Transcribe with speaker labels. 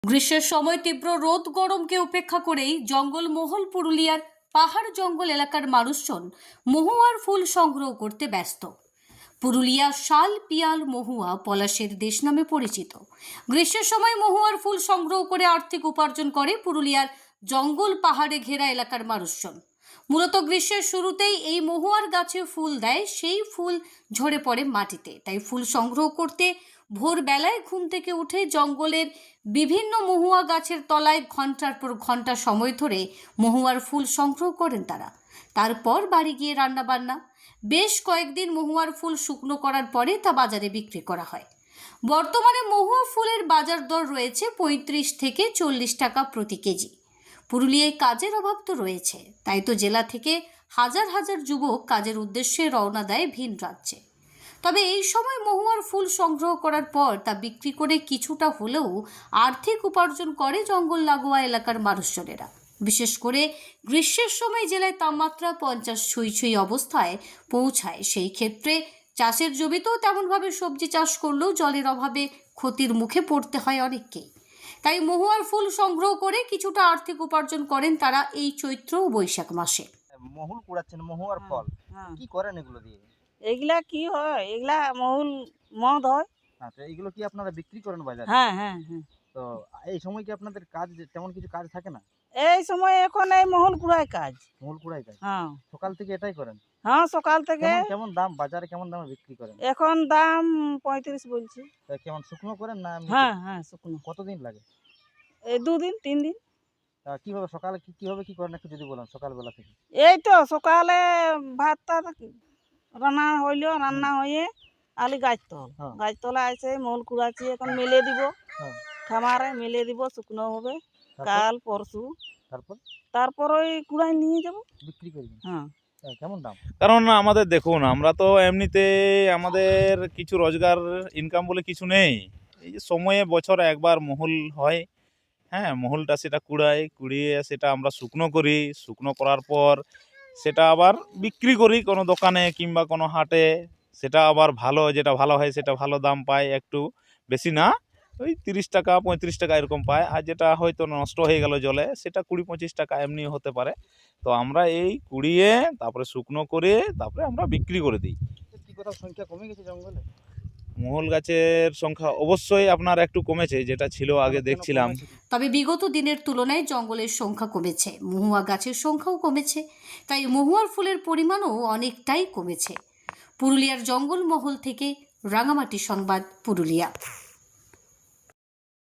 Speaker 1: গ্রীষ্মের সময় তীব্র রোদ গরমকে উপেক্ষা করেই জঙ্গলমহল পুরুলিয়ার পাহাড় জঙ্গল এলাকার মানুষজন মহুয়ার ফুল সংগ্রহ করতে ব্যস্ত। পুরুলিয়া শাল পিয়াল মহুয়া পলাশের দেশ নামে পরিচিত। গ্রীষ্মের সময় মহুয়ার ফুল সংগ্রহ করে আর্থিক উপার্জন করে পুরুলিয়ার জঙ্গল পাহাড়ে ঘেরা এলাকার মানুষজন। মূলত গ্রীষ্মের শুরুতেই এই মহুয়ার গাছে ফুল দেয়, সেই ফুল ঝরে পড়ে মাটিতে। তাই ফুল সংগ্রহ করতে ভোরবেলায় ঘুম থেকে উঠে জঙ্গলের বিভিন্ন মহুয়া গাছের তলায় ঘন্টার পর ঘন্টা সময় ধরে মহুয়ার ফুল সংগ্রহ করেন তারা। তারপর বাড়ি গিয়ে রান্নাবান্না। বেশ কয়েকদিন মহুয়ার ফুল শুকনো করার পরে তা বাজারে বিক্রি করা হয়। বর্তমানে মহুয়া ফুলের বাজার দর রয়েছে 35 থেকে 40 টাকা প্রতি কেজি। পুরুলিয়ায় কাজের অভাব তো রয়েছে, তাই তো জেলা থেকে হাজার হাজার যুবক কাজের উদ্দেশ্যে রওনা দেয় ভিন রাজ্যে। তবে এই সময় মহুয়ার ফুল সংগ্রহ করার পর তা বিক্রি করে কিছুটা হলেও আর্থিক উপার্জন করে জঙ্গল লাগোয়া এলাকার মানুষজনেরা। বিশেষ করে গ্রীষ্মের সময় জেলায় তাপমাত্রা 50 ছুঁই অবস্থায় পৌঁছায়। সেই ক্ষেত্রে চাষের জমিতেও তেমনভাবে সবজি চাষ করলেও জলের অভাবে ক্ষতির মুখে পড়তে হয় অনেককেই। তাই মহুয়ার ফুল সংগ্রহ করে কিছুটা আর্থিক উপার্জন করেন তারা এই চৈত্র ও বৈশাখ মাসে।
Speaker 2: মহুল কুড়াচ্ছেন, মহুয়ার ফল কি করেন এগুলো দিয়ে?
Speaker 3: এগুলা কি হয়, এগুলা মহুল মদ হয়।
Speaker 2: আচ্ছা, এগুলো কি আপনারা বিক্রি করেন বাজারে?
Speaker 3: হ্যাঁ হ্যাঁ হ্যাঁ।
Speaker 2: তো এই সময় কি আপনাদের কাজ তেমন কিছু কাজ থাকে না?
Speaker 3: এই সময় এখন এই মহুল কুড়াই কাজ।
Speaker 2: মহুল কুড়াই কাজ
Speaker 3: হ্যাঁ
Speaker 2: সকাল থেকে এটাই করেন?
Speaker 3: হ্যাঁ, সকাল থেকে।
Speaker 2: কেমন কেমন দাম বাজারে, কেমন দামে বিক্রি করেন?
Speaker 3: এখন দাম 35 বলছি।
Speaker 2: তা কেমন শুকনো করেন না এমনি?
Speaker 3: হ্যাঁ হ্যাঁ, শুকনো।
Speaker 2: কতদিন লাগে?
Speaker 3: এই 2 দিন 3 দিন।
Speaker 2: তা কিভাবে সকালে কিভাবে কি করেন একটু যদি বলেন সকালবেলা থেকে?
Speaker 3: এই তো সকালে ভাতটা রান্না হইলো, রান্না হয়ে আলি গাছতল
Speaker 2: হ্যাঁ।
Speaker 3: গাছতলা আছে মহুল কুড়াচ্ছি, এখন মেলে দিব।
Speaker 2: হ্যাঁ।
Speaker 3: খামারে মেলে দিব, শুকনো হবে
Speaker 2: তারপর?
Speaker 3: কাল পরশু।
Speaker 2: তারপর
Speaker 3: তারপর ওই কুড়াই নিয়ে যাব।
Speaker 2: বিক্রি করবেন?
Speaker 3: হ্যাঁ।
Speaker 2: কেমন দাম?
Speaker 4: কারণ আমাদের দেখুন, আমরা তো এমনিতে আমাদের কিছু রোজগার ইনকাম বলে কিছু নেই। এই যে সময়ে বছরে একবার মহুল হয়, হ্যাঁ, মহুলটা সেটা কুড়িয়ে সেটা আমরা শুকনো করি। শুকনো করার পর সেটা আবার বিক্রি করি কোনো দোকানে কিংবা কোনো হাটে। সেটা আবার যেটা ভালো হয় সেটা ভালো দাম পায়, একটু বেশি না, ওই 30 টাকা 35 টাকা এরকম পায়। আর যেটা হয়তো নষ্ট হয়ে গেল জলে সেটা 20-25 টাকা এমনি হতে পারে। তো আমরা এই কুড়িয়ে তারপরে শুকনো করে তারপরে আমরা বিক্রি করে দিই।
Speaker 2: কি কোথাও সংখ্যা কমে গেছে জঙ্গলে?
Speaker 4: মহুল গাছের সংখ্যা অবশ্যই আপনার একটু কমেছে, যেটা ছিল আগে
Speaker 2: কেন
Speaker 4: দেখছিলাম।
Speaker 2: কমেছে?
Speaker 1: তবে বিগত দিনের তুলনায় জঙ্গলের সংখ্যা কমেছে, মহুয়া গাছের সংখ্যাও কমেছে। তাই মহুয়ার ফুলের পরিমাণও অনেকটাই কমেছে। পুরুলিয়ার জঙ্গলমহল থেকে রাঙামাটি সংবাদ, পুরুলিয়া।